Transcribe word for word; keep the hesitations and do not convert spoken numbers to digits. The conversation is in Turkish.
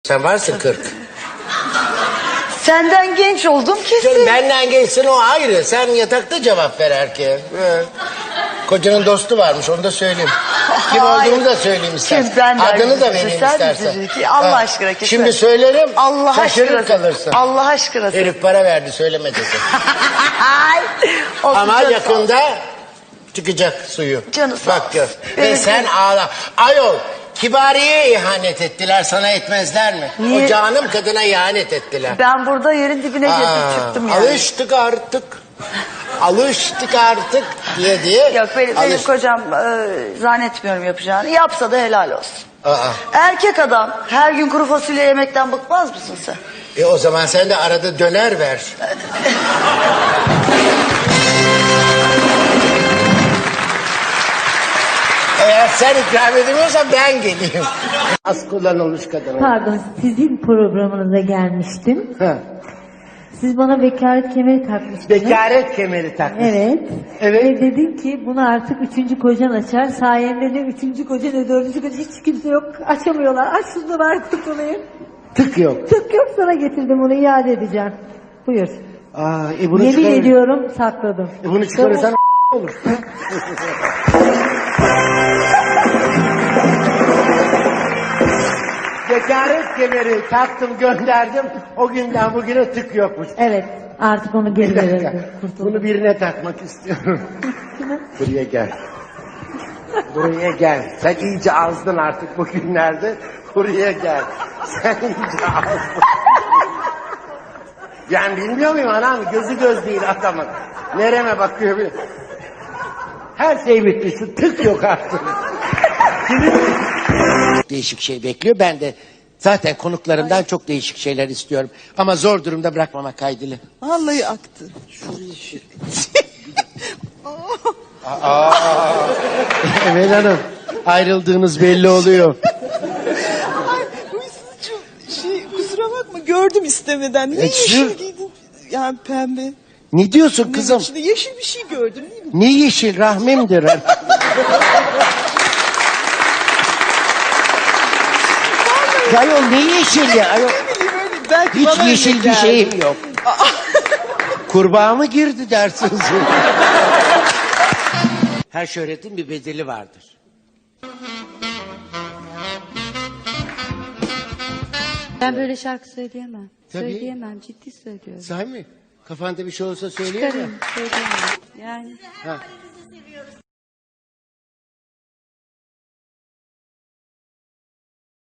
Sen varsın kırk. Senden genç oldum kesin. Canım benden gençsin o ayrı. Sen yatakta cevap ver erkeğe. Evet. Kocanın dostu varmış onu da söyleyeyim. Kim Hayır. olduğunu da söyleyeyim istersen. Kim? Ben de Adını da ayrı. vereyim Sen istersen. bizi ki, Allah Ha. aşkına kesin. Şimdi söylerim. Allah şaşırıp aşkına. kalırsın. Allah aşkına. Herif para verdi söyleme dedi. Ay, olsun Ama canım. yakında çıkacak suyu. Canı sağ Bak gör. olsun. Ve Benim sen canım. ağla. Ayol Kibariye'ye ihanet ettiler sana etmezler mi? Niye? O canım kadına ihanet ettiler. Ben burada yerin dibine girdim Aa, çıktım yani. Alıştık artık. Alıştık artık diye diye. Yok benim, benim alış- kocam e, zannetmiyorum yapacağını. Yapsa da helal olsun. Aa, Erkek adam her gün kuru fasulye yemekten bıkmaz mısın sen? e o zaman sen de arada döner ver. Eğer sen ikram edemiyorsan ben geleyim. Az kullanılmış kadın. Pardon, sizin programınıza gelmiştim. Ha. Siz bana vekalet kemeri takmıştınız. Bekaret kemeri takmış. Evet. Evet. Ve dedin ki bunu artık üçüncü kocan açar. Sayende ne üçüncü koca ne dördüncü koca hiç kimse yok. Açamıyorlar. Aç şunu var kurtulayım. Tık yok. Tık yok, sana getirdim, onu iade edeceğim. Buyur. Aa, e bunu Yemin çıkarır- ediyorum sakladım. E bunu çıkarırsan olur. Bekaret kemeri taktım gönderdim. O günden bugüne tık yokmuş. Evet, artık onu geri Bir dakika. verirdim. Kurtuldum. Bunu birine takmak istiyorum. Buraya gel. Buraya gel. Sen iyice azdın artık bugünlerde. Buraya gel. Sen iyice azdın. Yani bilmiyor muyum anam? Gözü göz değil adamın. Nereme bakıyor bir. Her şey bitmiş. Şu tık yok artık. Değişik şey bekliyor. Ben de zaten konuklarımdan çok değişik şeyler istiyorum. Ama zor durumda bırakmamak kaydıyla. Vallahi aktı. Emel Hanım ayrıldığınız belli oluyor. Ay huysuzcuğum şey kusura bakma gördüm istemeden. Ne E, yeşil şu- giydin? Yani pembe. Ne diyorsun Ne kızım? içinde yeşil bir şey gördüm değil mi? Ne yeşil rahmimdir. Ayol ne yeşil ya? Ayol, Ne bileyim öyle belki hiç bana yeşil öyle bir geldi. şeyim yok. Kurbağa mı girdi dersiniz? Her şöhretin bir bedeli vardır. Ben böyle şarkı söyleyemem. Tabii. Söyleyemem, ciddi söylüyorum. Sahi mi? Kafanda bir şey olsa söyleyemem. Çıkarayım, söyleyemem. Yani Ha.